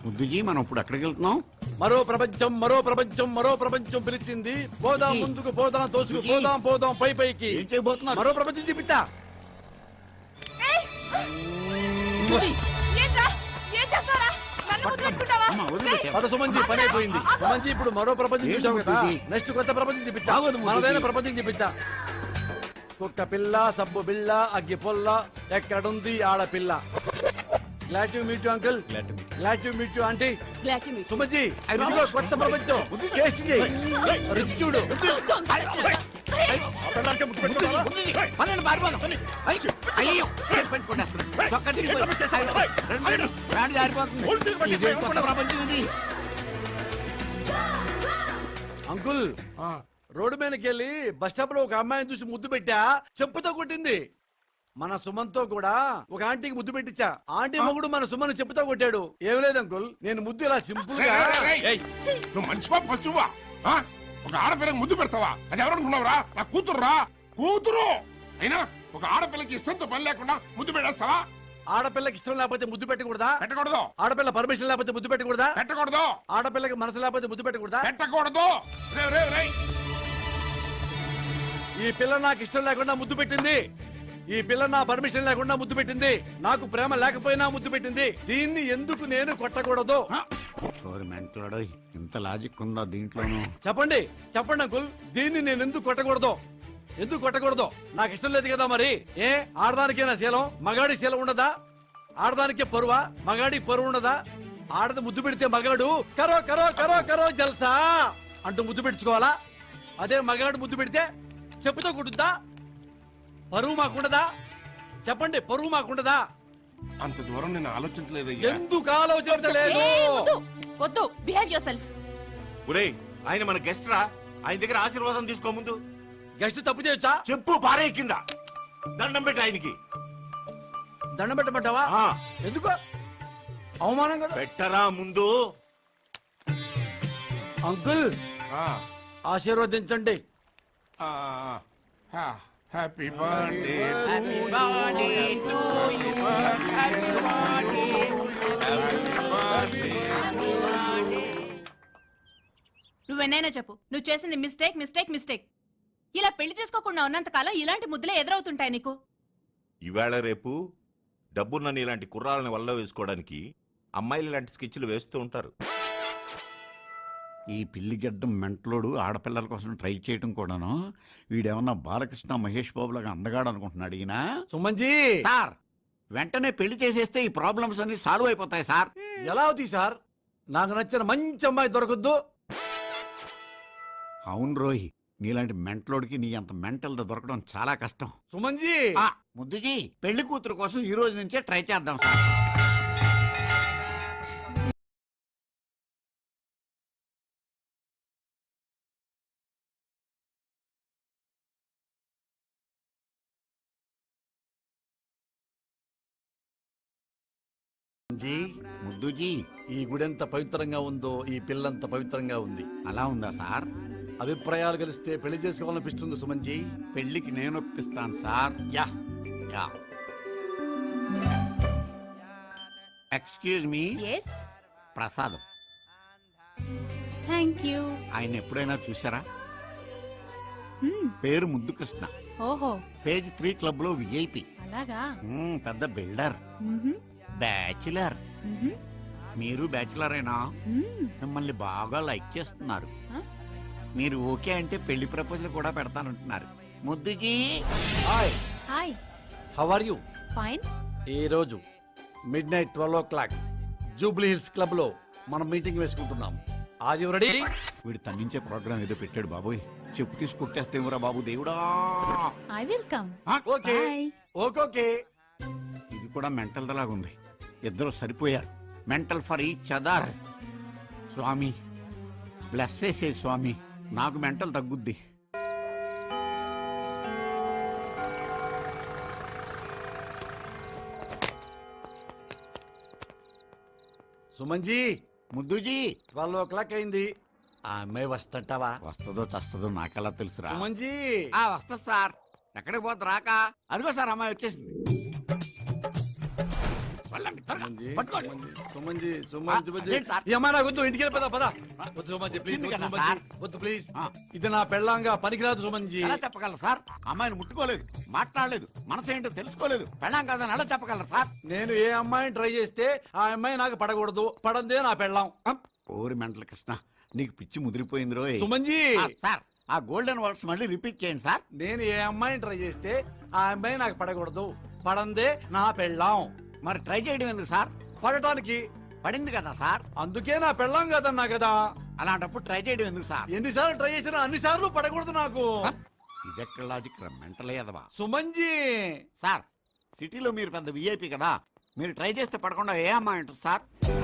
ముద్దుజీ మనం ఇప్పుడు ఎక్కడికి వెళ్తున్నాం? మరో ప్రపంచం మరో ప్రపంచం మరో ప్రపంచం పిలిచింది. పోదాం ముందుకు పోదాం తోసుకు పోదాం పోదాం పై పైకి. ఏం చేయబోతున్నారు? మరో ప్రపంచం చూపిస్తా. పద సుమన్జీ, పని అయిపోయింది. సుమన్జీ ఇప్పుడు మరో ప్రపంచం చూసాం కదా, నెక్స్ట్ కొత్త ప్రపంచం చూపిస్తా. మనదైన ప్రపంచం చూపిస్తా. కుక్క పిల్ల, సబ్బు బిళ్ళ, అగ్గి పొల్ల, ఎక్కడుంది ఆడపిల్ల. Glad to meet you uncle. Glad to meet you aunty. Suman ji ఇదిగో కొత్త ప్రపంచం. టేస్ట్ చేయి, రుచి చూడు. అంకుల్ రోడ్డు మీదకి వెళ్ళి బస్ స్టాప్ లో ఒక అమ్మాయిని చూసి ముద్దు పెట్టా, చెప్పుతో కొట్టింది. మన సుమన్తో కూడా ఒక ఆంటీకి ముద్దు పెట్టించా. ఆంటీ మొగుడు మన సుమన్ చెప్పుతో కొట్టాడు. ఏం లేదు అంకుల్, నేను ముద్దు ఇలా సింపుల్ గా. నువ్వు మంచివా పశువా? ఒక ఆడపిల్లకి ముద్దు పెడతావా? అది ఎవరనుకున్నావురా? నా కూతురురా, కూతురు. అయినా ఒక ఆడపిల్లకి ఇష్టంతో పని లేకుండా ముద్దు పెట్టేస్తావా? ఆడపిల్లకి ఇష్టం లేకపోతే ముద్దు పెట్టకూడదా? పెట్టకూడదు. ఆడపిల్ల పర్మిషన్ లేకపోతే ముద్దు పెట్టకూడదా? పెట్టకూడదు. ఆడపిల్లకి మనసు లేకపోతే ముద్దు పెట్టకూడదా? పెట్టకూడదు. ఈ పిల్ల నాకు ఇష్టం లేకుండా ముద్దు పెట్టింది. ఈ పిల్ల నా పర్మిషన్ లేకుండా ముద్దు పెట్టింది. నాకు ప్రేమ లేకపోయినా ముద్దు పెట్టింది. దీన్ని ఎందుకు నేను కొట్టకూడదు? ఇంత లాజిక్ ఉందా దీంట్లోనూ? చెప్పండి చెప్పండి అంకుల్, దీన్ని నేను ఎందుకు కొట్టకూడదు? ఎందుకు కొట్టకూడదు? నాకు ఇష్టం లేదు కదా. మరి ఏ ఆడదానికేనా శీలం, మగాడి శీలం ఉండదా? ఆడదానికే పరువా, మగాడి పరువు ఉండదా? ఆడది ముద్దు పెడితే మగాడు కరో కరో కరో కరో జల్సా అంటూ ముద్దు పెట్టుకోవాలా? అదే మగాడు ముద్దు పెడితే చెప్పుతో కొట్టుద్దా? పరువు మాకుండదా? చెప్పండి, పరువు మాకుండదా? అంత దూరం నేను ఆలోచించలేదు. ఎందుకు ఆలోచించలేదు? వద్దు, బిహేవ్ యువర్ సెల్ఫ్. ఒరేయ్, ఆయన మన గెస్ట్ రా, ఆయన దగ్గర ఆశీర్వాదం తీసుకో. ముందు గెస్ట్ తప్పు చేయొచ్చా? చెప్పు పారే కింద దండం పెట్టి ఆయనకి. దండం పెట్టమంటావా? ఎందుకు? అవమానం కదా. పెట్టరా ముందు. అంకుల్ ఆశీర్వదించండి. Happy birthday. నువ్వెన్నైనా చెప్పు, నువ్వు చేసింది మిస్టేక్ మిస్టేక్ మిస్టేక్. ఇలా పెళ్లి చేసుకోకుండా ఉన్నంతకాలం ఇలాంటి ముద్దులే ఎదురవుతుంటాయి నీకు. ఈవేళ రేపు డబ్బున్న ఇలాంటి కుర్రాలని వల్ల వేసుకోవడానికి అమ్మాయిలు ఇలాంటి స్కెచ్లు వేస్తూ ఉంటారు. ఈ పిల్లిగడ్డం మెంటలోడు ఆడపిల్లల కోసం ట్రై చేయడం కూడాను. వీడేమన్నా బాలకృష్ణ మహేష్ బాబు లాగా అందగాడు అనుకుంటున్నాడు ఈయన. సుమన్జీ సార్, వెంటనే పెళ్లి చేసేస్తే ఈ ప్రాబ్లమ్స్ అన్ని సాల్వ్ అయిపోతాయి సార్. ఎలా అవుతాయి సార్? నాకు నచ్చిన మంచి అమ్మాయి దొరకద్దు. అవును రోహి, నీలాంటి మెంటలోడికి నీ అంత మెంటల్ దొరకడం చాలా కష్టం. సుమన్జీ ముద్దుజీ, పెళ్లి కూతురు కోసం ఈ రోజు నుంచే ట్రై చేద్దాం సార్. ముద్దుజీ, ఈ గుడి ఎంత పవిత్రంగా ఉందో ఈ పిల్లంత పవిత్రంగా ఉంది. అలా ఉందా సార్? అభిప్రాయాలు కలిస్తే పెళ్లి చేసుకోవాలనిపిస్తుంది సుమన్జీ. పెళ్లికి నేను ఒప్పిస్తాను sir. Yeah yeah. Excuse me. yes ప్రసాదం. thank you. ఆయన ఎప్పుడైనా చూసారా? పేరు ముద్దు కృష్ణ. ఓహో, పేజ్ 3 క్లబ్ లో విఐపి. అలాగా? పెద్ద బిల్డర్, బ్యాచులర్. మీరు బ్యాచులరేనా? మిమ్మల్ని బాగా లైక్ చేస్తున్నారు. మీరు ఓకే అంటే పెళ్లి ప్రపోజల్ కూడా పెడతానంటున్నారు. Muddu ji. Hi hi, how are you? Fine. ఈ రోజు midnight 12 o'clock Jubilee hills club లో మనం మీటింగ్ వేసుకుంటున్నాం. Are you ready? వీడు తన్నించే ప్రోగ్రామ్ ఏదో పెట్టాడు బాబోయ్. చెప్పు తీసుకొట్టేస్తేమరా బాబు దేవుడా. I will come. Okay okay. ఇది కూడా మెంటల్ లాగుంది. ఇద్దరు సరిపోయారు. Mental for each other. స్వామి బ్లెస్ చేసే స్వామి, నాకు మెంటల్ తగ్గుద్ది. సుమన్జీ, ముద్దుజీ, 12 o'clock అయింది. ఆ అమ్మాయి వస్తుంటావా? వస్తుందో చస్తుందో నాకెలా తెలుసురా? సుమన్జీ వస్తా సార్. ఎక్కడికి పోతా రాక? అదిగో సార్ అమ్మాయి వచ్చేసింది. పట్టుకోండి. సుమంజి అదేంటి సార్? ఈ అమ్మాయి నాకు వద్దు, ఇంటికి వెళ్ళి పద వద్దు సుమంజి ప్లీజ్, వచ్చింది వద్దు కదా సుమంజి, సార్? వద్దు ప్లీజ్. ఆ. ఇది నా పెళ్ళాంగా పనికిరాదు సుమంజి. ఎలా చెప్పగలరు సార్? అమ్మాయిని ముట్టుకోలేదు, మాట్లాడలేదు, మనసు ఏంటో తెలుసుకోలేదు, పెళ్ళాం కాదని ఎలా చెప్పగలరు సార్? నేను ఏ అమ్మాయిని ట్రై చేస్తే ఆ అమ్మాయి నాకు పడకూడదు, పడందే నా పెళ్ళాం. ఓరి మెంటల్ కృష్ణ, నీకు పిచ్చి ముదిరిపోయింది రోయ్. సుమంజి సార్ ఆ గోల్డెన్ వర్డ్స్ మళ్ళీ రిపీట్ చేయండి సార్. నేను ఏ అమ్మాయిని ట్రై చేస్తే ఆ అమ్మాయి నాకు పడకూడదు, పడందే నా పెళ్ళాం. మరి ట్రై చేయడం ఎందుకు సార్? పడటానికి. పడింది కదా సార్. అందుకే నా పెళ్ళాం కదన్నా కదా. అలాంటప్పుడు ట్రై చేయడం ఎందుకు సార్? ఎన్నిసార్లు ట్రై చేసినా అన్నిసార్లు పడకూడదు నాకు. ఇదెక్కడ లాజిక్ రా మెంటల్ ఎదవా. సుమంజి సార్ సిటీలో మీరు పెద్ద విఐపి కదా, మీరు ట్రై చేస్తే పడకుండా ఏ అమ్మాయి ఉంటుంది సార్?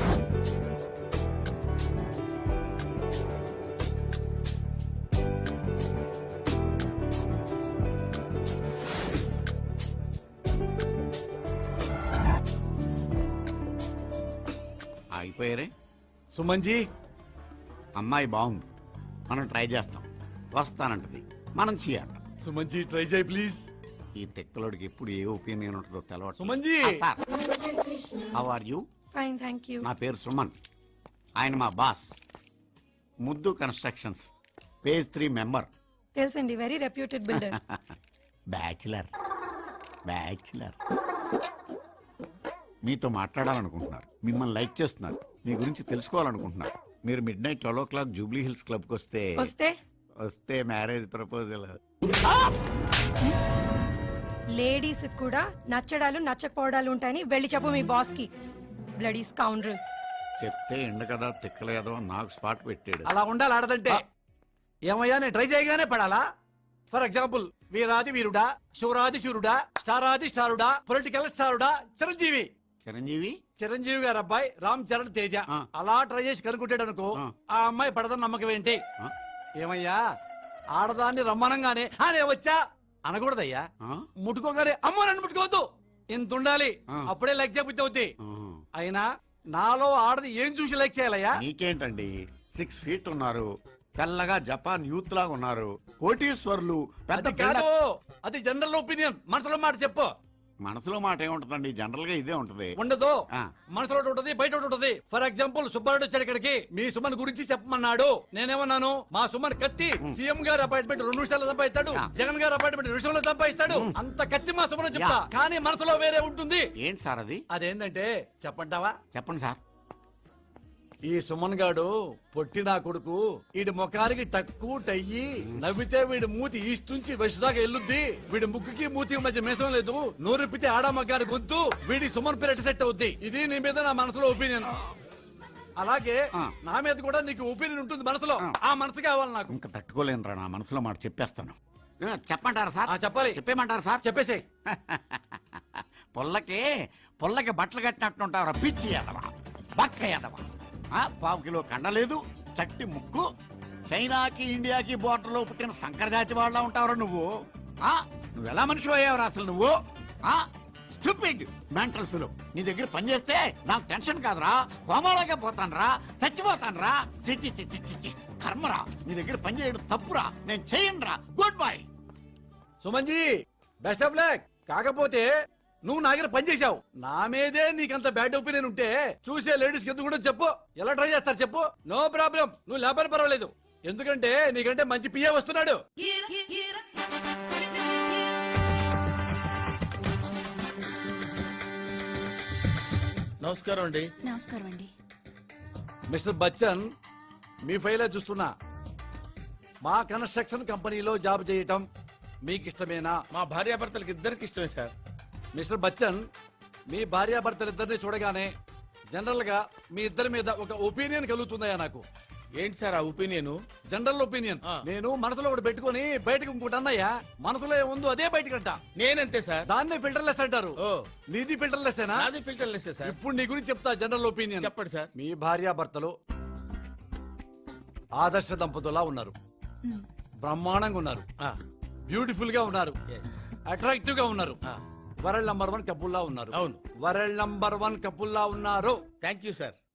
అయిపోయారే. సుమంజి అమ్మాయి బాగుంది, మనం ట్రై చేస్తాం, వస్తానంటది, మనం చేయాలి. సుమంజి ట్రై చేయి ప్లీజ్. ఈ తెక్కలోడికి ఎప్పుడు ఏ ఒపీనియన్ ఉంటుందో తెలవట్లేదు. Suman ji sir how are you? Fine thank you. నా పేరు సుమన్, ఆయన మా boss. Muddu constructions page 3 member. తెలుసండి, very reputed builder. Bachelor bachelor. మీతో మాట్లాడాలనుకుంటున్నారు, మిమ్మల్ని లైక్ చేస్తున్నారు, మీ గురించి తెలుసుకోవాలనుకుంటున్నారు. మీరు mid night 12 o'clock Jubilee hills క్లబ్కి వస్తే వస్తే మ్యారేజ్ ప్రపోజల్. లేడీస్ కూడా నచ్చడాలు నచ్చకపోవడాలు ఉంటాయని వెళ్ళి చెప్పు మీ బాస్ కి. బ్లడీ స్కౌండర్. చెప్తే ఎండ కదా తిక్కలేదో నాకు స్పాట్ పెట్టాడు. అలా ఉండాలి ఆడదంటే. ఏమయ్యా నేను ట్రై చేయగానే పడాలా? ఫర్ ఎగ్జాంపుల్ వీరాది వీరుడా, శూరాది శూరుడా, స్టారాది స్టారుడా, పొలిటికల్ స్టారుడా, చిరంజీవి. చిరంజీవి గారు అబ్బాయి రామ్ చరణ్ తేజ. ఆ. అలా ట్రై చేసి కనుక్కుంటాడు అనుకో, ఆ. ఆ అమ్మాయి పడదని నమ్మకం ఏంటి? ఆ. ఏమయ్యా ఆడదాన్ని రమ్మనంగానే నేను వచ్చా అనకూడదయ్యా. ముట్టుకోగానే అమ్మో నన్ను ముట్టుకోవద్దు, ఇంత ఉండాలి, ఆ. అప్పుడే లైక్ చేయబుద్ధి అవుద్ది. అయినా నాలో ఆడది ఏం చూసి లైక్ చేయాలయ్యా? నీకేంటండి, 6 feet ఉన్నారు, తెల్లగా జపాన్ యూత్ లాగా ఉన్నారు, కోటీశ్వర్లు, పెద్ద అది కాదు, అది జనరల్ ఒపీనియన్. మనసులో మాట చెప్పు. మనసులో మాట ఏముంటదండి, జనరల్ గా ఇదే ఉంటది. ఉండదు, ఆ. మనసులో ఒకటి ఉంటది, బయట ఒకటి ఉంటది. ఫర్ ఎగ్జాంపుల్ సుబ్బారెడ్డి వచ్చాడు ఇక్కడికి, మీ సుమన్ గురించి చెప్పమన్నాడు. నేనేమన్నాను, మా సుమన్ కత్తి, సీఎం గారు అపాయింట్మెంట్ 2 నిమిషాల్లో సంపాదిస్తాడు, ఆ. జగన్ గారు అపాయింట్మెంట్ 2 నిమిషాల్లో సంపాదిస్తాడు. అంత కత్తి మా సుమన్ చెప్తా, కానీ మనసులో వేరే ఉంటుంది. ఏంటి సార్ అది? అదేంటంటే చెప్పంటావా? చెప్పండి సార్. ఈ సుమన్ గాడు పొట్టి నా కొడుకు, వీడి ముఖానికి టక్కు టయ్యి, నవ్వితే వీడి మూతి ఈస్ట్ నుంచి వెస్ట్ దాకా ఎల్లుద్ది, వీడి ముక్కుకి మూతికి మధ్య మేసం లేదు, నోరెప్పితే ఆడా మగ్గాని గొంతు, వీడి సుమన్ పేరు సెట్ అవుద్ది. ఇది నీ మీద నా మనసులో ఒపీనియన్. అలాగే ఆ. నా మీద కూడా నీకు ఒపీనియన్ ఉంటుంది మనసులో. ఆ మనసు కావాలి నాకు. ఇంకా తట్టుకోలేనురా, నా మనసులో మాట చెప్పేస్తాను. చెప్పంటారా సార్? చెప్పాలి. చెప్పేమంటారా సార్? చెప్పేసేయ్. పొల్లకి బట్టలు కట్టినట్టుంటావురా పిచ్చి ఎదవా, బక్క ఎదవా. 1/4 కిలో కండలేదు, చట్టి ముక్కు, చైనాకి ఇండియాకి బోర్డర్ లో పుట్టిన సంకరజాతి వాళ్ళ ఉంటావురా నువ్వు. నువ్వు ఎలా మనిషి అయ్యావురా అసలు నువ్వు? Stupid mental fellow. నీ దగ్గర పని చేస్తే నాకు టెన్షన్ కాదురా, కోమాలోకే పోతానురా, చచ్చిపోతానురా. చిచ్చి చిచ్చి చిచ్చి కర్మరా, నీ దగ్గర పని చేయడం తప్పురా, నేను చేయనురా. Good bye. Suman ji best of luck. కాకపోతే నువ్వు నా దగ్గర పని చేశావు, నా మీదే నీకంత బ్యాడ్ ఒపీనియన్ ఉంటే చూసే లేడీస్ ఎందుకు కూడా చెప్పు. ఎలా ట్రై చేస్తారు చెప్పు, నో ప్రాబ్లం. నువ్వు లేపని పర్వాలేదు, ఎందుకంటే నీకంటే మంచి పిఏ వస్తున్నాడు. నమస్కారం అండి. నమస్కారం అండి. మిస్టర్ బచ్చన్, మీ ఫైలే చూస్తున్నా. మా కన్స్ట్రక్షన్ కంపెనీలో జాబ్ చేయటం మీకు ఇష్టమేనా? మా భార్యాభర్తలకి ఇద్దరికి ఇష్టమే సార్. మిస్టర్ బచ్చన్, మీ భార్యాభర్తలిద్దరిని చూడగానే జనరల్ గా మీ ఇద్దరి మీద ఒక ఒపీనియన్ కలుగుతుందయ్యా నాకు. ఏంటి సార్ ఆ ఒపీనియన్? General opinion. నేను మనసులో ఒకటి పెట్టుకుని బయటకు ఇంకోటి అన్నయ్యా. మనసులో ఏముందో అదే బయటకంట. నేనంతే సార్. దాన్నే ఫిల్టర్లెస్ అంటారు. ఓ, నీది ఫిల్టర్లెస్సేనా? నాది ఫిల్టర్లెస్ సార్. ఇప్పుడు నీ గురించి చెప్తా జనరల్ ఒపీనియన్. చెప్పండి సార్. మీ భార్యాభర్తలు ఆదర్శ దంపతులా ఉన్నారు, బ్రహ్మాండంగా ఉన్నారు, బ్యూటిఫుల్ గా ఉన్నారు, అట్రాక్టివ్ గా ఉన్నారు, వరల్డ్ నంబర్ 1 కపుల్లా ఉన్నారు. అవును, వరల్డ్ నంబర్ 1 కపుల్లా ఉన్నారు. Thank you sir.